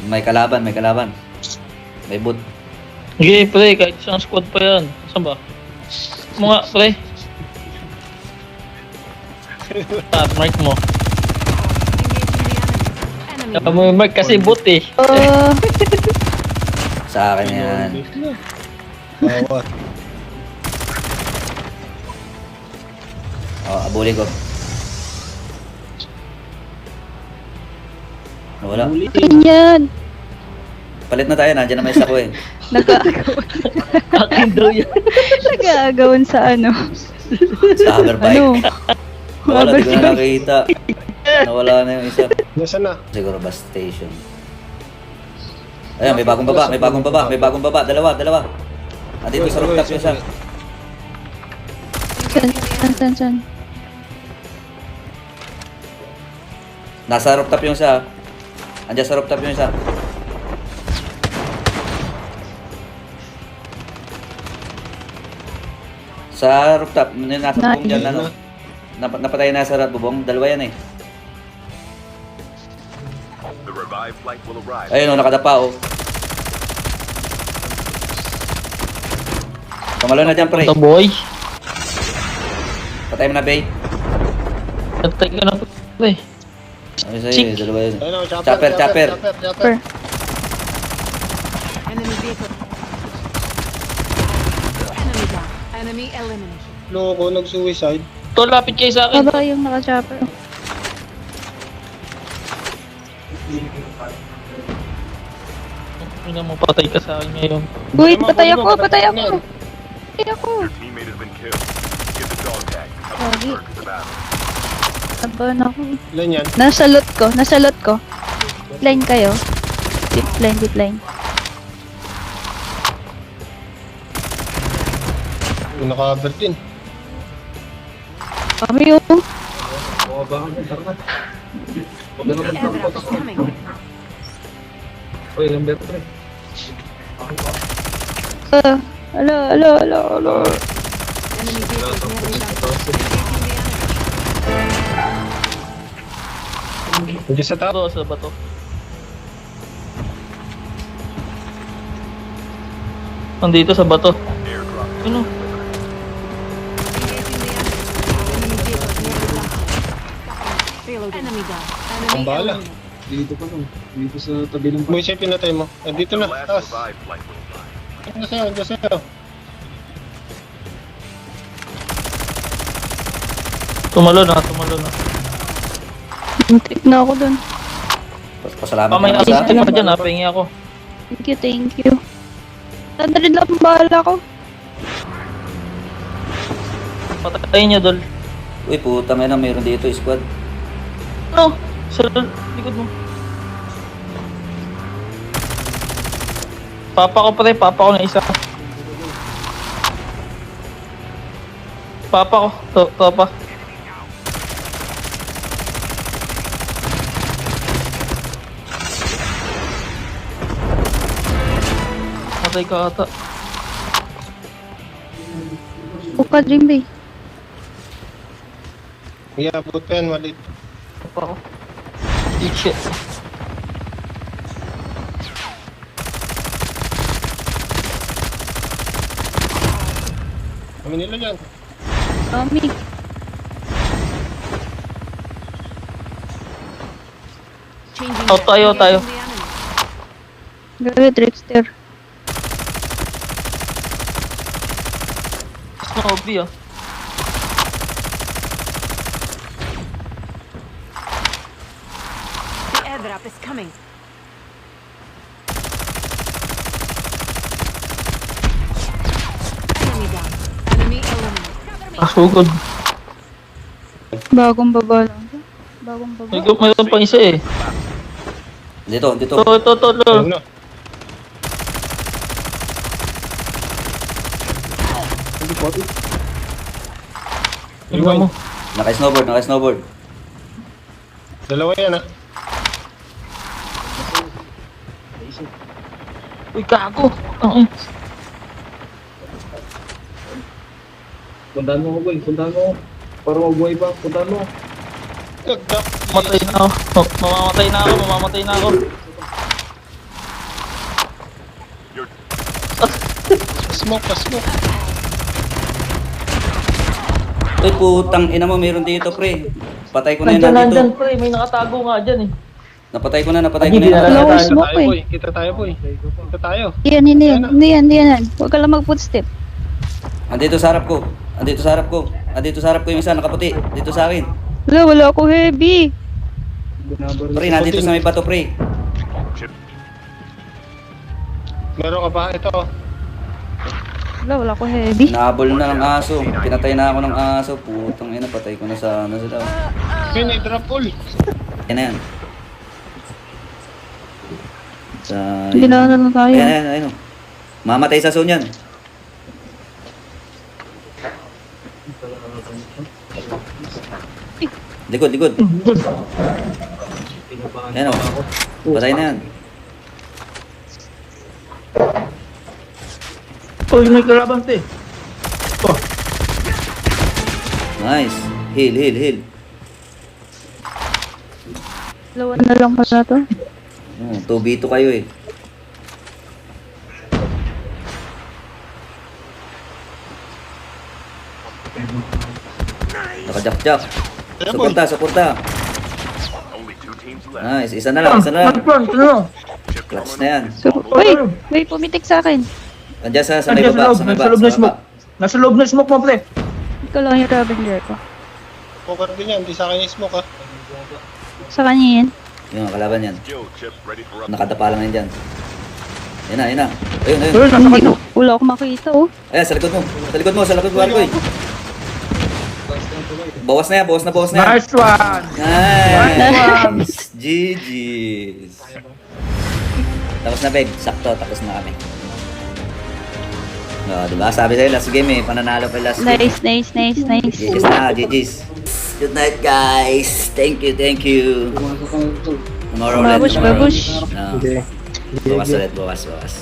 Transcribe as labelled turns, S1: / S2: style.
S1: May kalaban, may kalaban. May boot.
S2: Sige, pre, kahit isang squad pa yan. Saan ba? Mga, pre. Mark mo. Kaya mo yung mark kasi bot eh.
S1: Sa akin yan.
S3: Bawat.
S1: Abuli ko. Wala.
S4: Akin yan.
S1: Palit na tayo, nandiyan na may isa ko eh.
S4: Nag-aagawan.
S2: Akin daw yan.
S4: Nag-aagawan sa ano.
S1: Sa hoverbike.
S4: Ano?
S1: Wala, di ko na nakita. Nawala na yung isa.
S3: Nasaan na?
S1: Siguro bus station. Ayun, may bagong baba, may bagong baba, may bagong baba. Dalawa. Andito sa rooftop yung isa.
S4: San?
S1: Nasa rooftop yung isa. Andiyan sa rooftop yung isa. Sa rooftop, nasa bubong dyan, ano? Napatay na sa bubong, dalawa yan eh.
S5: The revived flight will arrive.
S1: Ayun o, nakadapa o. Tumalo na dyan, pre.
S2: Ito boy.
S1: Patay mo na, Bay.
S2: Natay ka na pre.
S1: Ano sa'yo, dalawa yun.
S3: Ayun o,
S1: Chopper.
S4: Per.
S6: Enemy vehicle. Enemy down. Enemy eliminated.
S3: Loko, nag-suicide.
S2: Ito, lapit kayo sa akin.
S4: Baba yung naka-chopper.
S2: Hindi mo patay ka sa akin ngayon.
S4: Wait, patay ako. Patay ako.
S5: Your teammate has been killed. Get the dog tag. Cover
S4: Sorry.
S5: the of the battle.
S4: Taban ako.
S3: Ilan yan?
S4: Nasa lot ko. Line kayo. Deep line.
S3: Naka-cover din.
S4: Kami yun.
S6: The airdrop is coming.
S4: Alo.
S6: Enemy vehicle is nearly down. Engaging the enemy.
S3: Nandiyan sa top.
S2: Ito, sa bato. Nandito sa bato.
S5: Airdrop.
S2: Ano?
S6: Engaging the enemy. Enemy vehicle is nearly down. Payload enemy down. Enemy
S3: Ang bala.
S6: eliminated.
S7: Dito pa lang. Dito sa tabi ng
S3: Mo siya pinatay mo. Dito
S5: The
S3: na,
S5: last
S3: taas.
S5: revived flight will arrive.
S3: Andiyan sa'yo.
S2: Tumalo na.
S4: Muntik na ako dun.
S1: Pasalamat
S2: Pamay
S1: naman
S2: assist
S1: sa...
S2: ka dyan ha, pahingi ako.
S4: Thank you. Tandrin lang ang bahala ko.
S2: Patayin niya, Dol.
S1: Uy, putang ina, mayroon dito, squad.
S2: Ano? Sa likod mo. Papa ko na isa. Papa ko, topa. Matay ka ata.
S4: Buka Dream Bay.
S3: Iabot pa yan, malit.
S2: Papa ko. Shit.
S3: Kami nila yan.
S4: Kami.
S6: Changing
S2: Out tayo.
S6: Engaging the enemy.
S4: Gabi, Trickster.
S2: Snobby ah.
S6: The airdrop is coming. Enemy down. Enemy eliminated.
S2: Asugod.
S4: Bagong baba lang.
S2: Mayroon pang isa eh.
S1: Dito.
S2: Ito.
S3: Ayun na.
S2: Tingnan mo.
S1: Naka-snowboard.
S3: Dalawa yan ah.
S2: Uy, gago. Ang
S7: Puntahan mo ko, boy. Puntahan mo. Para mabuhay pa. Puntahan mo.
S3: Nagdak.
S2: Matay na ako. Mamamatay na ako.
S3: Smoke, pa-smoke.
S1: Uy, putang ina mo, meron dito, pre. Patay ko na yun
S2: Nandyan,
S1: dito.
S2: nandyan, pre. May nakatago nga dyan eh.
S1: Napatay ko na
S2: Hindi
S1: yun.
S2: na
S4: Wala akong
S3: Kita
S4: smoke
S3: tayo,
S4: eh.
S3: boy. Kita tayo, boy. Kita tayo.
S4: Hindi yan. Huwag ka lang mag-footstep.
S1: Andito sa harap ko. Andito sa harap ko yung isa, nakaputi. Dito sa akin.
S4: Wala ako heavy.
S7: Binabar
S1: Pre, nandito sa may bato, pre.
S3: Meron ka pa? Ito.
S4: Wala ako heavy.
S1: Nahabol na ng aso. Pinatay na ako ng aso. Putang ina, patay ko na sana sila.
S3: May drop all.
S1: Yan na yan. Sa...
S4: Hindi na tayo.
S1: Ayan. Mamatay sa zone yan. Likod. Ayan o. Patay na yan.
S2: Uy, may kalaban, te. Oh,
S1: Nice. Heal.
S4: Dalawa na lang pala to.
S1: 2v2 kayo eh. Nakajak-jak. Suporta.
S5: Only 2 teams left.
S1: Nice. Isa na lang.
S2: front, ano?
S1: Clutch na yan.
S4: So, wait, pumitik sa akin.
S1: Andiyan sa may
S2: Nandiyan
S1: baba.
S2: sa loob na smoke. Nasa loob na smoke mo, pre.
S4: Ikaw lang yung Ravenger ko.
S3: Poker din yan. Di sa akin yung smoke, ha.
S4: Sa kanya yan.
S1: Yung kalaban yan.
S5: Skill chip ready for up.
S1: Nakadapa lang yan dyan. Yan na. Ayun.
S2: Uy, nasa
S4: Hindi,
S2: kanya.
S4: wala ako makita oh.
S1: Ayan, sa likod mo, Argoy. Bawas na yan.
S2: Nice one.
S1: Nice! GG's! Tapos na, Beg. Sakto, tapos na kami. Diba? Sabi sa'yo, last game eh. Pananalo pa yung last game.
S4: Nice.
S1: GG's na, GG's. Good night, guys. Thank you. Tomorrow ulit.
S4: Babush.
S1: Bukas ulit.